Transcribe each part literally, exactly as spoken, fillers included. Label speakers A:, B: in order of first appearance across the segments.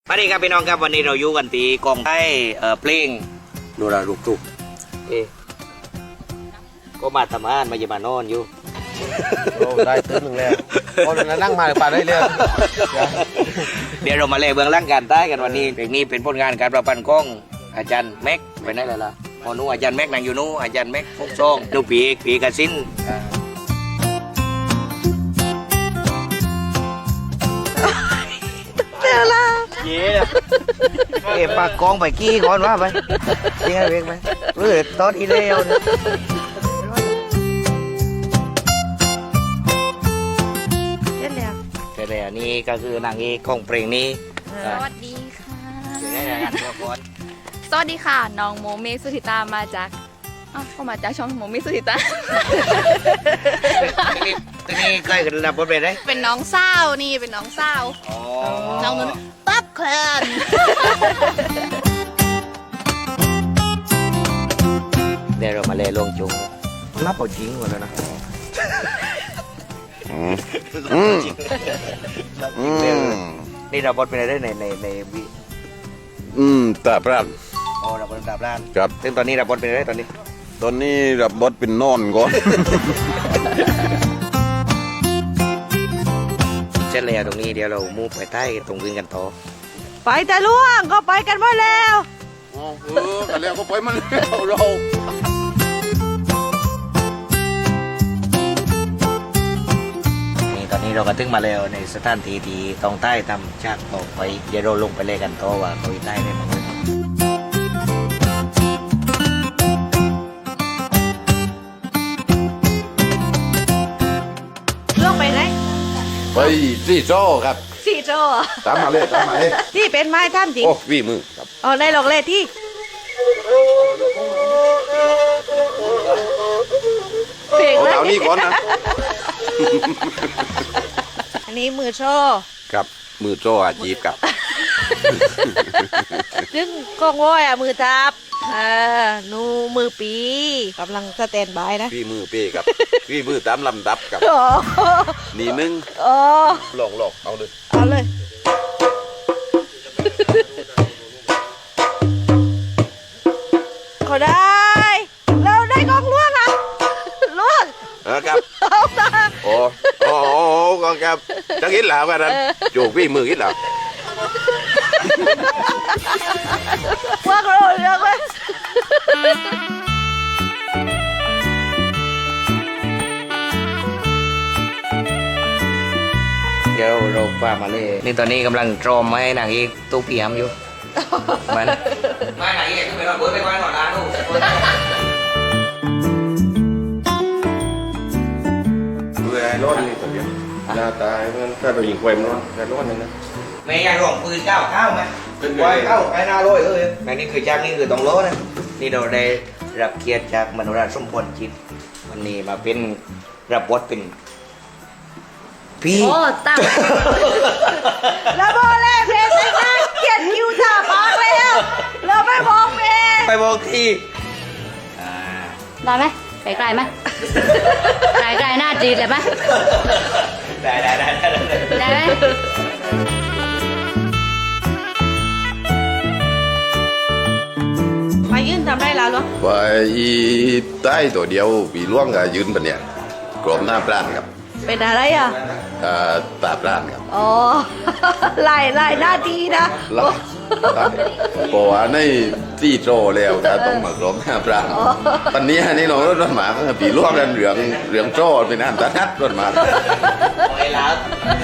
A: สวัสดีครับพี่น้องครับวันนี้เราอยู่กันที่กองไทยเอ่อเพลงดูแลลูกทุกเอ๊ะก็มาทำงานมาจะมานอนอยู่
B: โอ้ได้ตื้นหนึ่งแล้วโอ้นั่งมาป่าได้เรื่อย
A: เดี๋ยวเรามาเล่เบื้องหลังการใต้กันวันนี้เพลงนี้เป็นผลงานการประพันธ์ของอาจารย์แม็กไปไหนแล้วล่ะพอนู้อาจารย์แม็กนั่งอยู่นู้อาจารย์แม็กพกซองดูปีกปีกระสินเดี๋ยวละเย่เอ๋ปากกองไปกี้ก่อนว่าไปเจ๊เวกไปเรื่อตอนอีเดียวเนี่ยเจ๊แล้วเจ๊แล้วนี่ก็คือนางเอกของเพลงนี้
C: สวัสดีค่ะ
A: เจ๊ได้งานตัวก่อน
C: สวัสดีค่ะ น้องโมเมสุธิตามาจากอ้าวก็มาจากช่องโมเมสุธิตา
A: ตอนนี้เคยกันรับบทเป็นไร
C: เป็นน้องสาวนี่เป็นน้องสาว
A: อ๋อ
C: น้องนุ่นปั๊บเคลน
A: เดี๋ยวเรามาเล่ลวงจุงรับเอาจริงหมดแล้วนะ
B: อืมอืมอืม
A: นี่เราบทเป็นอะไรในในในวิ
B: อืมตาพระ
A: อ๋อเราบทเป็นดาบล้าน
B: ครับ
A: ซึ่งตอนนี้เราบทเป็นอะไรตอนนี้
B: ตอนนี้รับบทเป็นนอนก่อน
A: เช่นเลยตรงนี้เดี๋ยวเรามูฟไปใต้ตรงอื่นกันต่อ
D: ไปแต่ล่วงก็ไปกันหมดแล้ว
B: เออกันแล้วก็ไปมันแล้วเรา
A: นี่ตอนนี้เราก็ถึงมาแล้วในสถานที่ที่ตรงใต้ทำฉากต่อไปเดี๋ยวเราลงไปเล่นกันต่อว่าเขาอยู่ใต้ได้ไหม
D: ล่วงไปไหน
B: ไปที่โจ้ครับ
D: สี่โจ
B: ตามมาเลยตามมาเลย
D: ที่เป็นไม้ท่ามจริง
B: โอ้วี่มือครับ
D: อ๋อในหลอกเลที่เพลง
B: เอา
D: เลย
B: เต่านี้ก่อนนะ
D: อันนี้มือโช
B: ครับมือโจ้อาจีบครับ
D: ซึ่งกล้องว้อยอ่ะมือทับเออนูมือปีกำลังสแตนบายนะ
B: วี่มือเป้ครับวี่มือตามลำดับครับ
D: โอ้
B: นี่หนึง
D: โอ้
B: ลองลองเอาเลย
D: เอาเลยเขาได้เราได้กล้องล่วงอ่ะล่วง
B: นะครับ
D: เอาตา
B: โอ้โอ้โอ้ก็ครับจะกินแล้วกันนั้นโจกวี่มือกินแล้ว
D: ว่าเราเลือกเลย
A: เดี๋ยวเราพามาเลยนี่ตอนนี้กำลังตรอมให้นางเอกตู้เปียมอยู่มันไม่นางเอกคือเป็นแบบเบิร์ดไปไว้หน่อยนะลูก
B: เมื่อไอ้ร้อนนี่ตัวเดียวหน้าตามันถ้าเรายิงไฟมันร้อนแต่ร้อนนี่นะ
A: แม่ยายหลงปืนเก้าเข้าไหม
B: เป็นไง
A: ไว้เข้าไปหน้าร้อยเอ้ยแม่นี่คือจ้างนี่คือต้องโลนะนี่เราได้รับเกียรติจากมโนราชสมพรจิตวันนี้มาเป็นรับบทเป็นพี่
C: โอ้ตั้ง
D: แล้วโบเล่เพลงไปนะเขียนคิวจ่าปากแล้วเราไม่บอกเพลง
A: ไปบอกทีอ่า
E: ได้ไหมไกลๆไหมไกลๆหน้าจีดเลยไหม
A: ได้ได้ได้ได้ได้
E: ได้ไหม
D: มายื่นทำได้แล้วเหรอ
B: ไปใต้ตัวเดียวปีล่วงกับยืนปะเนี่ยกรอบหน้าปราณครับ
D: เป็นอะไรอ่ะ
B: อ่าตาปราณครับ
D: อ๋อ ไล่ไล่หน้าดีนะ
B: แล้วเพราะว่าในที่โจแล้วถ้าต้องมากรอบหน้าปราณตอนนี้นี่เรารถหมาปีล่วงกันเหลืองเหลืองโจเป็นอันตรายรถหมา
A: ไอ้ลับ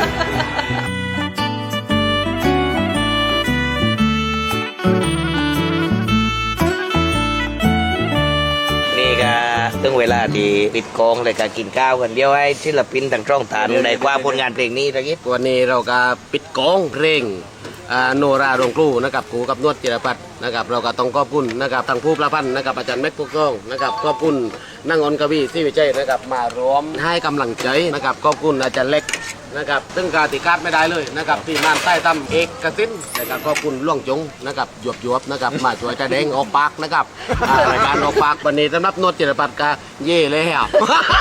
A: นี่ก็ถึงเวลาที่ปิดกองเลยการกินข้าวกันเดียวให้ศิลปินทั้งช่องฐานในความผลงานเพลงนี้ตะกี้
F: วันนี้เราก็ปิดกองเพลงอ่าโนราโรงครูนะครับครูกับนวดจิรพัฒน์นะครับเราก็ต้องขอบคุณนะครับทางผู้ประพันธ์นะครับอาจารย์แม็กพุกต้องนะครับขอบคุณนั่งอนกวีที่วิจัยนะครับมาร้อมให้กำลังใจนะครับขอบคุณอาจารย์เล็กนะครับซึ่งการติคาดไม่ได้เลยนะครับที่มานใต้ตำเอกกสินนะครับขอบคุณล่วงจงนะครับหยวบหยวบๆนะครับมาช่วยใจแดงออกปากนะครับอ่ารายการออกปากวันนี้สำหรับนวดจิรพัฒน์ก็เย่เลยครับ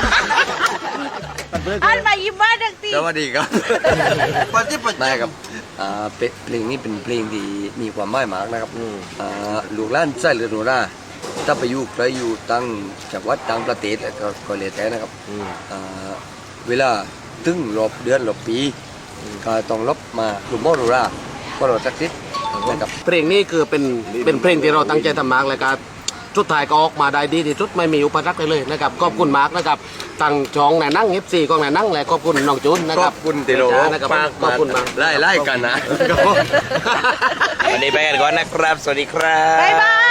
D: อันมายิ้มว่าดังตี
B: สวัสดีครับ
A: ปฏิบัติ
B: ได้ครับ
G: อ่าเป็นเพลงนี้เป็นเพลงที่มีความหมายมากนะครับอ่าลูกหล้านไส้เรือโนราถ้าไปอยู่ไปอยู่ตั้งจังหวัดต่างประเทศก็ก็เลยแต่นะครับอ่าเวลาถึงรอบเดือนรอบปีก็ต้องลบมาลูกโมโนราก็เราสักทิศนะครับ
F: เพลงนี้คือเป็นเป็นเพลงที่เราตั้งใจทำมากเลยครับสุดท้ายก็ออกมาได้ดีที่สุดไม่มีอุปสรรคเลยนะครับขอบคุณมากนะครับตั้งช่องไหนนั่งเอฟซีกองไหนนั่งและขอบคุณน้องจุนนะ
G: ข
F: ค
G: อ
F: รับบ
G: คุณที่เรา
F: นะครับ
G: มาก
F: ขอบคุณมาก
G: ไล่ไล่กันนะ
A: วันนี้ไปกันก่อนนะครับ สวัสดีครับ
D: บ๊ายบาย